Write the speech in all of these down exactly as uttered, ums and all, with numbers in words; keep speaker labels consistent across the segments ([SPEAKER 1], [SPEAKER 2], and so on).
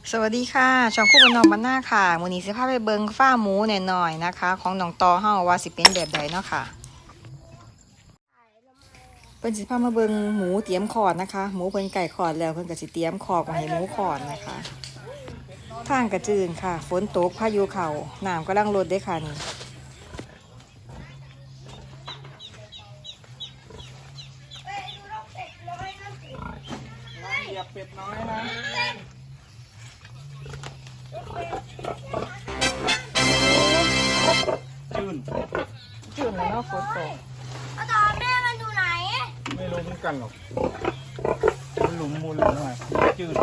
[SPEAKER 1] สวัสดีค่ะช่องคู่บนนองบ้านหน้าค่ะมื้อนี้สิพาไปเบิงฟ้าหมูหน่อยๆนะคะ ของน้องตอเฮาว่าสิเป็นแบบใดเนาะค่ะเพิ่นสิพามาเบิงหมูเตรียมขอดนะคะหมูเพิ่นไก่ขอดแล้วเพิ่นก็สิเตรียมขอกมาให้หมูขอดนะคะทางกระจืนค่ะฝนตกพายุเข้าน้ำกำลังลดได้ค่ะนี่
[SPEAKER 2] เหยียบเป็ดน้อยนะจืน
[SPEAKER 1] จืนแล้วเนาะฝนตก
[SPEAKER 3] เอาต่อแม่มันอยู่ไหน
[SPEAKER 2] ไม่รู้เหมือนกันหรอกมันหลุมมูลหรือไงจืน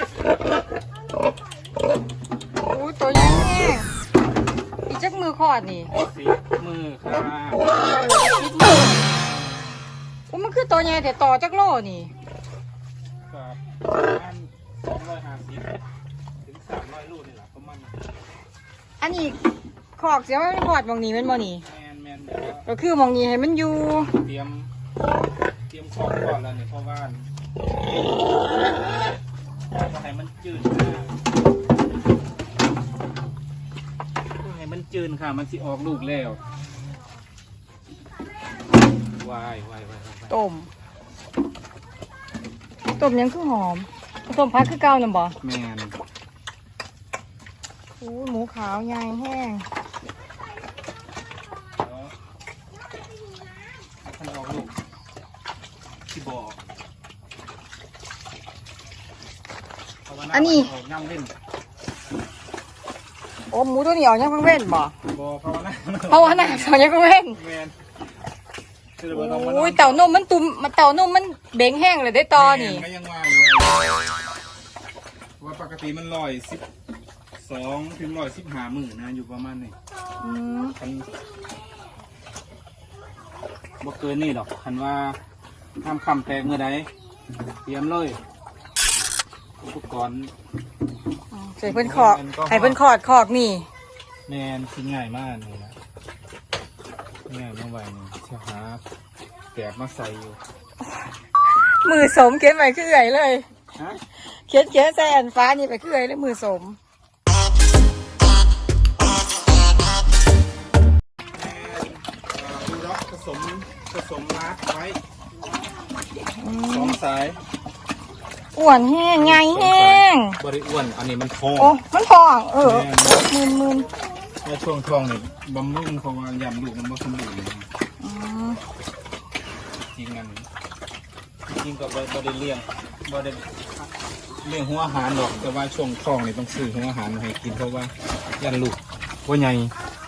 [SPEAKER 1] อู้ตัวใหญ่แห้งอีจักมือขอดนี่
[SPEAKER 2] สีมือค่ะ
[SPEAKER 1] อู้มันคือตัวใหญ่แต่ต่อจักโลนี่
[SPEAKER 2] กับประมาณสองร้อยห้าสิบถึงสามร้อยลูกนี่แหละประมาณ
[SPEAKER 1] อันนี้ขอกเสียว่าขอดมองนี้เป็นบ่นี่
[SPEAKER 2] แมนแมน
[SPEAKER 1] ก็คือมองนี้ให้มันอยู่
[SPEAKER 2] เตรียมเตรียมของก่อนแล้วเนี่ยเพราะว่าก็ให้มันจืดก็ให้มันจืดค่ะมันสิออกลูกแล้ววายวายวาย
[SPEAKER 1] ต้มต้มยังคือหอมต้มพักคือเก่าน่ะบ่
[SPEAKER 2] แมน
[SPEAKER 1] โอ้หมูขาวใหญ่แห้ง
[SPEAKER 2] ท่านออกลูกที่บ่อ
[SPEAKER 1] อันนี้
[SPEAKER 2] ย่ำเล่น
[SPEAKER 1] โอ้หมูตัวนี้ออกยังเพิ่งเว้นบ่
[SPEAKER 2] บ่เพราะว่าน่ะ
[SPEAKER 1] เพราะว่าน่ะออกยังเพิ่งเว้นโอ้ยเต่านมมันตุ่มมันเต่านมมันเบ่งแห้งเลยได้ตอนี่
[SPEAKER 2] ก็ยังว่าอยู่ว่าปกติมันลอยสิบสองถึงลอยสิบห้าหมื่นนะอยู่ประมาณนี้
[SPEAKER 1] อืม
[SPEAKER 2] คันบ่เกินนี่หรอกคันว่าทำคำแตกเมื่อใดเตรียมเลยอุปกรณ์
[SPEAKER 1] ใส่เพิ่นขอดให้เพิ่นขอดขอกนี่
[SPEAKER 2] แมนชิ้นง่ายมากเลยนะง่ายเมื่อวานนี้เชื่อหาแกะมาใส่อยู่
[SPEAKER 1] มือสมเขียนไปคือเอื่อยเลยเขียนเขียนใส่อันฟ้านี่ไปคือเอื่อยเลยมือสม
[SPEAKER 2] ดูร็อกผสมผสมรัดไว้สองสาย
[SPEAKER 1] อ้วนแห้งใหญ่แห้ง
[SPEAKER 2] บริอ้วนอันนี้มันทอง
[SPEAKER 1] โอ้มันทองเออมืนมืน
[SPEAKER 2] ในช่วงทองเนี่ยบำรุงเพราะว่ายำลูกมันไม่สมบูรณ์จริงกันจริงกับบริเลี้ยงบริเลี้ยงหัวอาหารหรอกแต่ว่าช่วงทองเนี่ยต้องซื้อหัวอาหารมาให้กินเพราะว่ายันลูกว่าใหญ่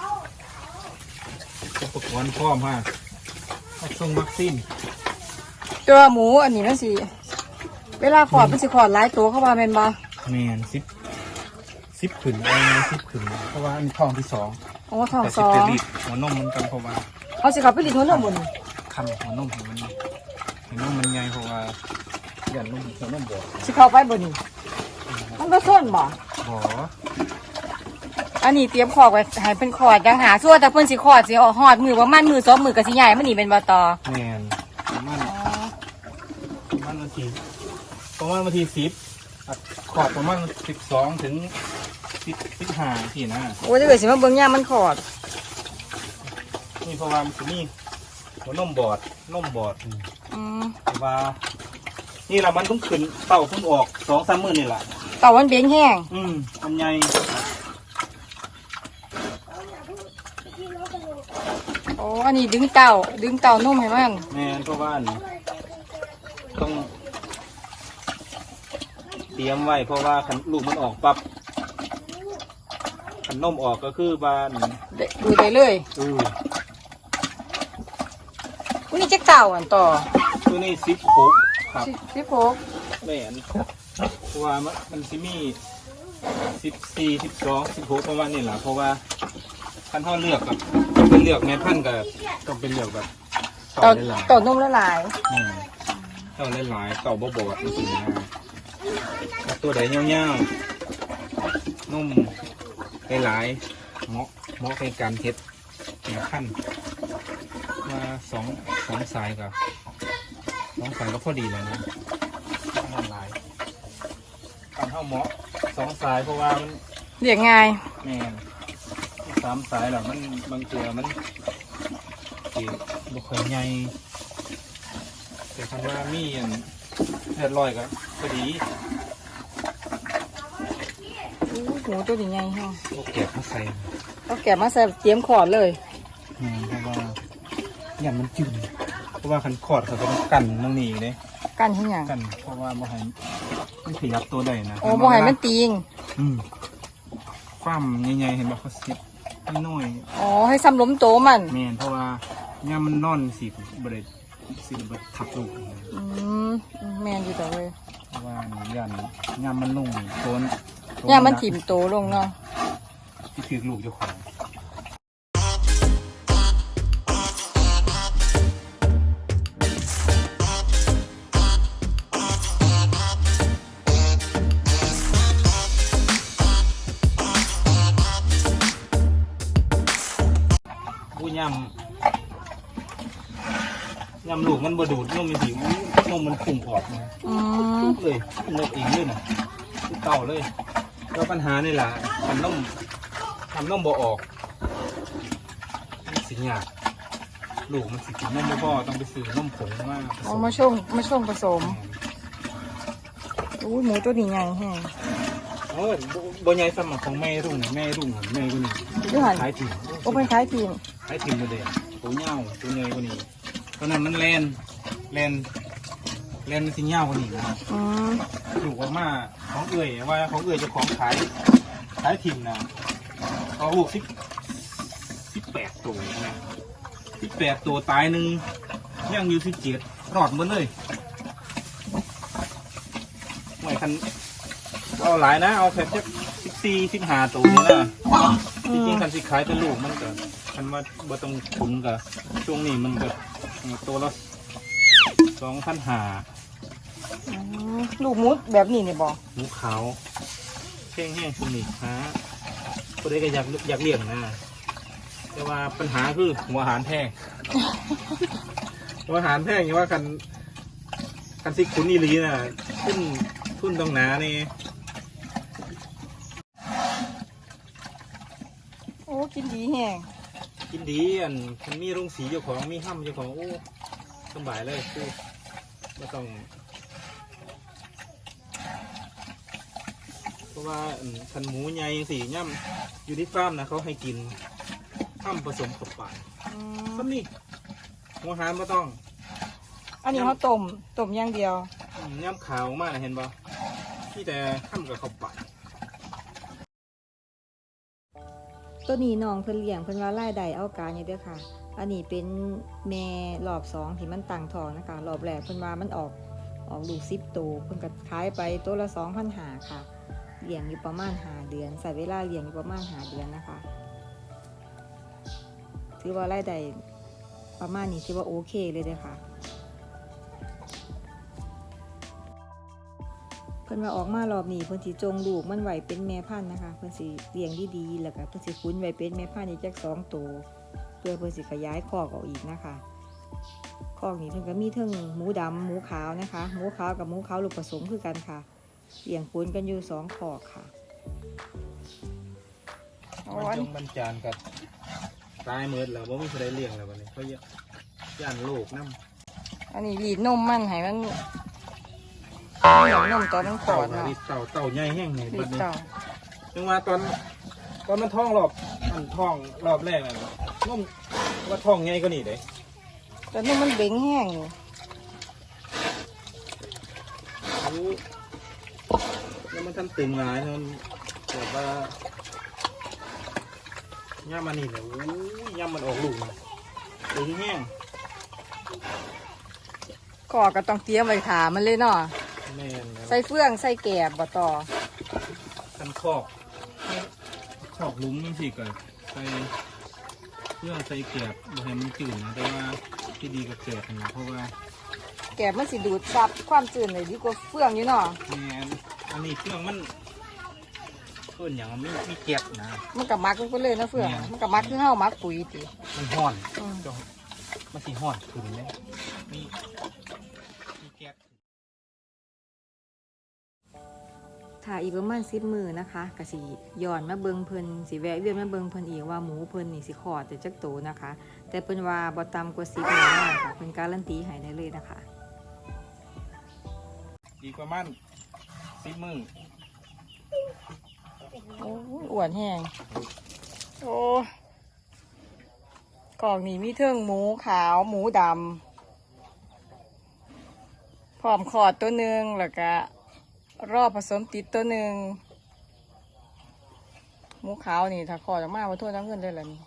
[SPEAKER 2] อุปกรณ์พร้อมฮะส่งวัคซีน
[SPEAKER 1] ตัวหมูอันนี้นั่นสิเวลาขอดมันสิขอดหลายตัวเข้ามาเป็นบ่
[SPEAKER 2] แมนสิบสิบขืนเอาสิบขืนเพราะว่าอันนี้ทองที่สอง
[SPEAKER 1] โอ้ทองสอง
[SPEAKER 2] แต่สิบเจ็ดลิตรหัวนมมันกันเพราะว่า
[SPEAKER 1] เอาสิขับไปลิตรหัวนมบน
[SPEAKER 2] คันหัวนมของมันหัวนมมันใหญ่เพราะว่ายันนมหัวนมบอด
[SPEAKER 1] สิเข้าไปบนมันก็ส้นบ่
[SPEAKER 2] บ่
[SPEAKER 1] อันนี้เตรียมขอกไว้ให้เป็นขอดยังหาส่วนแต่เพิ่นสิขอดสิออกหอดมือว่ามันมือสองมือกับสิใหญ่มันนี่เป็นบ่ตอ
[SPEAKER 2] แมนมันมันวันที่ประมาณวันที่สิบขอดประมาณสิบสองถึงสิบสิบห้าที่นะ
[SPEAKER 1] โอ้ยจะเกิดสิมาเบิ่งย่ามันขอด
[SPEAKER 2] นี่เพราะว่ามันจะมีหัวนมบอดนมบอด
[SPEAKER 1] อืม
[SPEAKER 2] ว่านี่เรามันต้องขึ้นเต่าขึ้นออกสองสามหมื่นนี่แหละ
[SPEAKER 1] เต่ามันเบ่งแห้ง
[SPEAKER 2] อืมทำไง
[SPEAKER 1] โอ้อันนี้ดึงเต่าดึงเต่านมให้มัน
[SPEAKER 2] แม่เพราะว่าต้องเตรียมไว้เพราะว่าขันลูกมันออกปั๊บขันนมออกก็คือบ้าน
[SPEAKER 1] ดูได้เลย
[SPEAKER 2] อือ
[SPEAKER 1] วันนี้จะเต่าอันต่อ
[SPEAKER 2] ตัวนี้สิบหกครับ
[SPEAKER 1] สิบหก
[SPEAKER 2] แม่นเพราะว่ามันซิมีสิบสี่สิบสองสิบหกประมาณนี้แหละเพราะว่าท่านเขาเลือกกับเป็นเลือกแม่พันธุ์กับต้องเป็นเลือกแบบ
[SPEAKER 1] เต่าเต่านมละลาย
[SPEAKER 2] เต่าหลายๆเต่าบ่บอดจริงๆตัวใดเงี้ยวๆนุ่มหลายๆเหมาะเหมาะในการเทสแม่พันธุ์มาสองสองสายกับสองสายก็พอดีแล้วนะหลายการเข้าเหมาะสองสายเพราะว่ามัน
[SPEAKER 1] เลี้ยงง่าย
[SPEAKER 2] แม่นสามสายหรอมันบางเกือมันสีบุคคลใหญ่แต่คำว่ามีอันเลือดลอยก็พอดี
[SPEAKER 1] อู้หูตัวใหญ่ๆฮะ
[SPEAKER 2] โอเก็บมาใส่
[SPEAKER 1] เอาแกะมาใส่เตรียมขอดเลย
[SPEAKER 2] อืมเพราะว่าอย่างมันจืดเพราะว่าคันขอดเขาต้องกันตรงนี้เลย
[SPEAKER 1] กันให้หยัง
[SPEAKER 2] กันเพราะว่าบ่ให้มันขยับตัวได้นะ
[SPEAKER 1] โอ้บ่ให้มันตีง
[SPEAKER 2] อืมความใหญ่ๆเห็นบ่เขาซิดน้อย
[SPEAKER 1] อ๋อให้ซ้ำล้มโตมัน
[SPEAKER 2] ๆแม่นเพราะว่าย่ามมันนอนสิบ่ได้สิบ่ทับลูก
[SPEAKER 1] อืมแม่นอยู่ต่อเลย
[SPEAKER 2] เพราะว่าย่านย่ามมันลงโซน
[SPEAKER 1] ย่ามันถิ่มโตลงเนาะ
[SPEAKER 2] ที่ถือลูกเจ้าของผู้ย่ำย่ำลูกมันบดูดนมมันหิวนมมันพุ่งออกมา
[SPEAKER 1] อืม
[SPEAKER 2] เลยพุ่งเลยเองเลยนะเต่าเลยแล้วปัญหานี่แหละทำนมทำนมบ่ออกมันสิยากลูกมันสิกินนมบ่พอต้องไปซื้อนมผงมาผส
[SPEAKER 1] เอา
[SPEAKER 2] ม
[SPEAKER 1] มาช่วงมาช่วงผสมอู้หมูตัวนี้ใหญ่แฮง
[SPEAKER 2] เออบ่บ่ใหญ่สมัครของแม่รุ่งแม่รุ่งแม่คนนี้
[SPEAKER 1] ยูหัน
[SPEAKER 2] ขายถิ่น
[SPEAKER 1] โอ้เป็นคล้ายทีม
[SPEAKER 2] ขายถิ่นมาเลยตัวเงาตัวใหญ่กว่านี้ตอนนั้นมันแลนแลนแลนมันสิเงากว่านี้นะ
[SPEAKER 1] อืม
[SPEAKER 2] ถูกออกมาของเอื่อยว่าของเอื่อยเจะของขายขายถิ่นนะเอาลูกสิบสิบแปดตัวนะสิบแปดตัวตายหนึ่งย่างอยู่สิบเจ็ดรอดหมดเลยไม่คันเอาหลายนะเอาแค่สิบสี่สิบห้าตัวนี่นะจริงๆคันสิขายเป็นลูกมันก็คันว่าบ่ต้องขุนกับช่วงนี้มันก็ตัวละสองพันห้า
[SPEAKER 1] อืมลูกหมูแบบนี้นี่บอก
[SPEAKER 2] หมูขาวแห้งแห้งชุนิฮะคนใดก็อยากอยากเลี้ยงนะแต่ว่าปัญหาคือหัวอาหารแพง หัวอาหารแพงอย่างว่ากันกันซิคุณอีหลีน่ะทุนทุนต้องหนานี่
[SPEAKER 1] โอ้กินดีแฮง
[SPEAKER 2] กินดีอันมันมีโรงสีเจ้าของมีห้ำเจ้าของโอ้สบายเลยคือไม่ต้องเพราะว่าอันคันหมูใหญ่สีย่ำอยู่ที่ฟาร์มนะเขาให้กินห้ำผสมกับปลา
[SPEAKER 1] อื
[SPEAKER 2] ก็
[SPEAKER 1] ม
[SPEAKER 2] นี่หัวหารไม่ต้อง
[SPEAKER 1] อันนี้เขาต้มต้มอย่างเดียว
[SPEAKER 2] อืมย่ำขาวมากนะเห็นปะที่แต่ห้ำกับข้าวปลา
[SPEAKER 1] ตัวนี้น้องเพิ่นเลี้ยงเพิ่นว่ารายได้เอาการอยู่เด้อค่ะ อันนี้เป็นแม่รอบสองที่มันตั้งท้องนะคะรอบแรกเพิ่นว่ามันออกออกลูกสิบตัวเพิ่นก็ขายไปตัวละสองพันหาค่ะเลี้ยงอยู่ประมาณหาเดือนใส่เวลาเลี้ยงอยู่ประมาณหาเดือนนะคะ ถือว่ารายได้ประมาณนี้ถือว่าโอเคเลยเด้อค่ะ เพิ่นว่าออกมารอบนี้เพิ่นสิจงลูกมันไว้เป็นแม่พันธุ์นะคะเพิ่นสิเลี้ยงดีๆแล้วก็เพิ่นสิคุ้นไว้เป็นแม่พันธุ์อีกจักสองตัวเพื่อเพิ่นสิขยายคอกออกอีกนะคะคอกนี้เพิ่นก็มีทั้งหมูดำหมูขาวนะคะหมูขาวกับหมูขาวลูกผสมคือกันค่ะเลี้ยงปนกันอยู่สองคอกค่ะ
[SPEAKER 2] มันจงบรรจานกับตายเมิดแล้วว่าไม่เคยได้เลี้ยงแล้ววันนี้เขาย่านโลกน้ำ
[SPEAKER 1] อันนี้รีดนมมันให้มันเหนียวนมตอนมันขอ
[SPEAKER 2] เต่า
[SPEAKER 1] ดเนาะ
[SPEAKER 2] ดิเต่าเต่าใหญ่แห้งไง
[SPEAKER 1] รี
[SPEAKER 2] บั
[SPEAKER 1] ด
[SPEAKER 2] ดนี้
[SPEAKER 1] เต่า
[SPEAKER 2] จังว่าตอนตอนมันท้องรอบมันท้องรอบแรกน่ะนุ่มว่าท้องใหญ่ก็นี่เด้
[SPEAKER 1] ตอนนี้มันเบ่งแห้งอยู่
[SPEAKER 2] โอ้แล้วมันทันตึงหลายมันแบบว่าย่ามันนี่เนี่ยโอ้ยย่ามันออกลูกน่ะตึงแห้ง
[SPEAKER 1] คอกก็ต้องเตรียมไว้ขามันเลยเนาะ
[SPEAKER 2] แม่นแล้ว
[SPEAKER 1] ใส่เฟืองใส่แกบบ่ต่อ
[SPEAKER 2] คันคอกคอกหลุมมันสิก็ใส่เพื่อใส่เกลียบบ่ให้มันจืดนะแต่ว่าที่ดีกับเกลียบนะเพราะว่า
[SPEAKER 1] แกบมันสิดูดซับความจืดเลยดีกว่าเฟืองอยู่เนาะ
[SPEAKER 2] แม่นอันนี้เครื่องมันเพิ่นอย่างมันมีมีเกลียบนะ
[SPEAKER 1] มันกับมักมันก็เลยนะเฟือง
[SPEAKER 2] แม่น
[SPEAKER 1] มันกับมักคือเฮามักปุ๋ยติ
[SPEAKER 2] มันห่อน
[SPEAKER 1] อืม
[SPEAKER 2] จ้ะมันสิห่อนขึ้นเลยมีมีเกลียบ
[SPEAKER 1] ถค่ะอีกประมาณสิบมื้อนะคะก็สิย้อนมาเบิ่งเพิ่นสิแวะเวียนมาเบิ่งเพิ่นอีกว่าหมูเพิ่นนี่สิคลอดได้จักโตนะคะ แต่เพิ่นว่าบ่ต่ำกว่าสิบแน่นอนค่ะเพิ่นการันตีให้ได้เลยนะคะ
[SPEAKER 2] อีกประมาณสิบมื้อ
[SPEAKER 1] โอ้ยอ้วนแห้งโอ้กล่องนี้มีเทิงหมูขาวหมูดำพร้อมขอดตัวหนึ่งแล้วก็รอบผสมติดตัวหนึ่งหมูขาวนี่ถ้าขอดออกมาว่าโทษน้ำเงินได้เลยนี่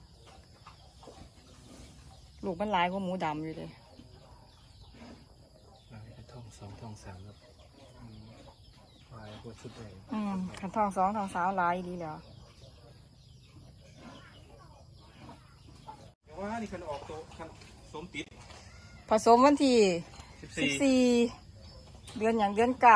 [SPEAKER 1] ลูกมันหลายกว่าหมูดำอยู่เลย
[SPEAKER 2] ท้องสองท้องสามครับลายพวกชุดใหญ่
[SPEAKER 1] อืมขันทองสองทองสาวหลายดีแล้ว
[SPEAKER 2] แต่ว่านี่คันออกตัวคันสมติด
[SPEAKER 1] ผสมวันที่
[SPEAKER 2] สิบ
[SPEAKER 1] สิบ
[SPEAKER 2] สี่
[SPEAKER 1] สี่เดือนอย่างเดือนเก่า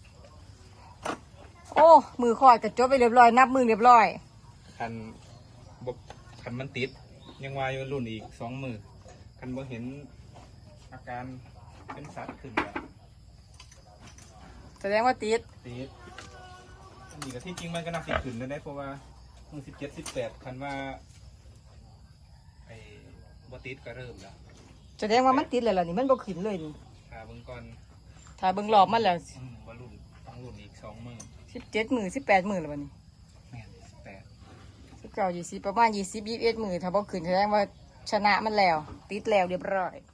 [SPEAKER 1] โอ้มือคอดกระจบไปเรียบร้อยนับมือเรียบร้อย
[SPEAKER 2] คันบกคันมันติด ยังวายอยู่รุ่นอีกสองมือคันบ่เห็นอาการเป็นสัตว์ขึ้นแล้ว
[SPEAKER 1] แสดงว่าติด
[SPEAKER 2] ติดอันนี้ก็ที่จริงมันก็น่าสิขึ้นได้เพราะว่ามือสิบเจ็ดสิบแปดคันว่าไอ้บ่ติดก็เริ่มแล้ว
[SPEAKER 1] แสดงว่ามันติดเลยล่ะนี่มันบ่ขึ้นเลยนี่
[SPEAKER 2] ถ้าเบิ่งก่อน
[SPEAKER 1] ถ้าเบิ่งรอบมันแล้ว
[SPEAKER 2] อืมว่ารุ่นต้องรุ่นอีกสองมือ
[SPEAKER 1] สิบเจ็ดมือสิบแปดมือแล้ววันนี้
[SPEAKER 2] แม่นสิบแปด
[SPEAKER 1] สิบเก้ายี่สิบประมาณยี่สิบยี่สิบเอ็ดมือถ้าบ่ขึ้นแสดงว่าชนะมันแล้ว ติดแล้วเรียบร้อย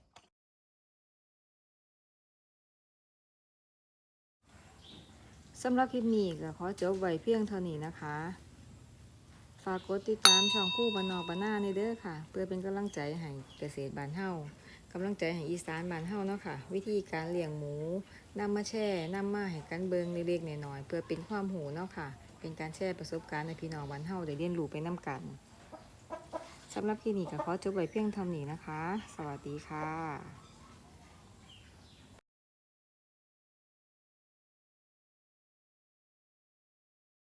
[SPEAKER 1] สำหรับคลิปนี้ก็ขอจบไว้เพียงเท่านี้นะคะ ฝากกดติดตามช่องคู่บ้านนอกบ้านหน้าในเด้อค่ะ เพื่อเป็นกำลังใจให้เกษตรบ้านเฮากำลังใจให้อีสานบ้านเฮาเนาะค่ะ วิธีการเลี้ยงหมูนำมาแช่นำมาให้กันเบิงเล็กๆน้อยๆเพื่อเป็นความหูเนาะค่ะ เป็นการแชร์ประสบการณ์ในพี่น้องบ้านเฮาได้เรียนรู้ไปนำกันสำหรับคลิปนี้ก็ขอจบไว้เพียงเท่านี้นะคะ สวัสดีค่ะ